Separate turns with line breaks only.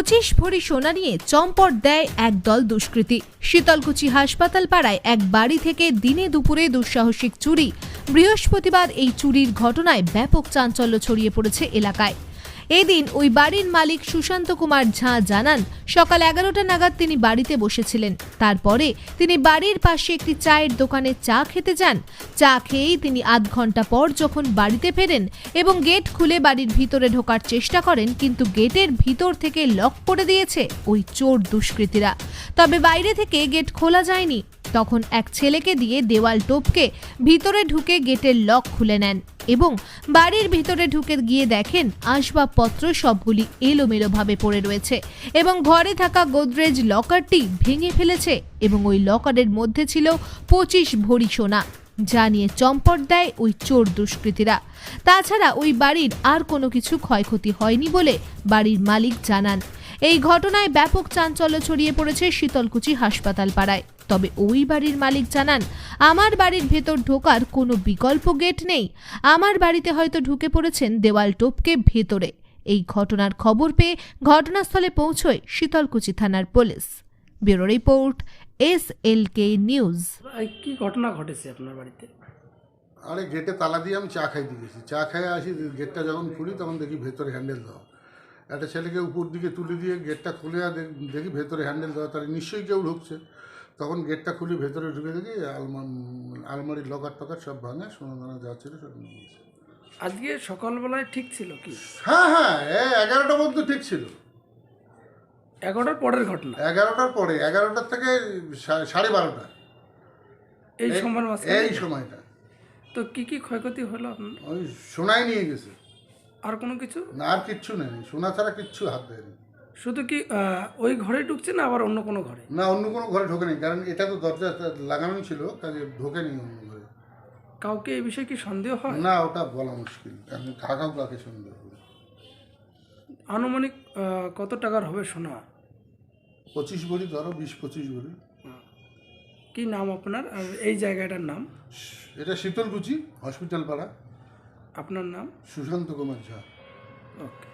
25 ভরি সোনা নিয়ে চম্পট দেয় একদল দুষ্কৃতী। শীতলকুচি হাসপাতাল পাড়ায় এক বাড়ি থেকে দিনে দুপুরে দুঃসাহসিক চুরি। বৃহস্পতিবার এই চুরির ঘটনায় ব্যাপক চাঞ্চল্য ছড়িয়ে পড়েছে এলাকায়। এদিন ওই বাড়ির মালিক সুশান্ত কুমার ঝা জানান, সকাল 11টা নাগাদ তিনি বাড়িতে বসেছিলেন। তারপরে তিনি বাড়ির পাশে একটি চায়ের দোকানে চা খেতে যান। চা খেয়েই তিনি আধ ঘন্টা পর যখন বাড়িতে ফেরেন এবং গেট খুলে বাড়ির ভিতরে ঢোকার চেষ্টা করেন, কিন্তু গেটের ভিতর থেকে লক করে দিয়েছে ওই চোর দুষ্কৃতীরা। তবে বাইরে থেকে গেট খোলা যায়নি। তখন এক ছেলেকে দিয়ে দেওয়াল টপকে ভিতরে ঢুকে গেটের লক খুলে নেন এবং বাড়ির ভিতরে ঢুকে গিয়ে দেখেন আসবাবপত্র সবগুলি এলোমেলোভাবে পড়ে রয়েছে এবং ঘরে থাকা গোদরেজ লকারটি ভেঙে ফেলেছে এবং ওই লকারের মধ্যে ছিল 25 ভরি সোনা, যা নিয়ে চম্পট দেয় ওই চোর দুষ্কৃতীরা। তাছাড়া ওই বাড়ির আর কোনো কিছু ক্ষয়ক্ষতি হয়নি বলে বাড়ির মালিক জানান। এই ঘটনায় ব্যাপক চাঞ্চল্য ছড়িয়ে পড়েছে শীতলকুচি হাসপাতাল পাড়ায়। তবে ওই বাড়ির মালিক জানান, আমার বাড়ির ভেতর ঢোকার কোনো বিকল্প গেট নেই। আমার বাড়িতে হয়তো ঢুকে পড়েছেন দেওয়াল টপকে ভেতরে। এই ঘটনার খবর পেয়ে ঘটনাস্থলে পৌঁছয় শীতলকুচি থানার police. Bureau report, SLK news.
কি ঘটনা ঘটেছে আপনার বাড়িতে?
আরে গেটে তালা দিয়ে আমি চা খাইতে গেছি। চা খাই আসি, গেটটা যখন খুলি তখন দেখি ভেতরে হ্যান্ডেল দেওয়া। একটা ছেলেকে উপর দিকে তুলে দিয়ে গেটটা খুলে দেখি ভেতরে হ্যান্ডেল দেওয়া, তার নিশ্চয়ই কেউ ঢুকছে। তখন গেটটা খুলে ভেতরে ঢুকে দেখি আলমারির লকার টকার সব ভাঙা, সোনা দানা যা ছিল সব নিয়ে গেছে।
আজকে সকালবেলায় ঠিক ছিল কি?
হ্যাঁ, 11টা পর্যন্ত ঠিক ছিল।
11টার পরের ঘটনা?
11টার পরে, 11টার থেকে 12:30
এই সময়ের মাঝখানে?
এই সময়টা।
তো কি কি ক্ষয়ক্ষতি হলো আপনার?
ওই সোনাই নিয়ে গেছে।
আর কোনো কিছু
না, আর কিচ্ছু নেই, সোনা ছাড়া কিচ্ছু হাত দেয়নি।
শুধু কি ওই ঘরে ঢুকছে না আবার অন্য কোনো ঘরে?
না, অন্য কোনো ঘরে ঢোকেনি, কারণ এটা তো দরজা লাগানোই ছিল, কাজে ঢোকেনি অন্য ঘরে।
কাউকে এই বিষয়ে কি সন্দেহ হয়?
না, ওটা বলা মুশকিল, কারণ কাকে সন্দেহ হবে।
আনুমানিক কত টাকার হবে সোনা?
25 ভরি ধরো, 20-25 ভরি।
কি নাম আপনার আর এই জায়গাটার নাম?
এটা শীতলকুচি হসপিটাল পাড়া।
আপনার নাম?
সুশান্ত কুমার ঝা।
ওকে।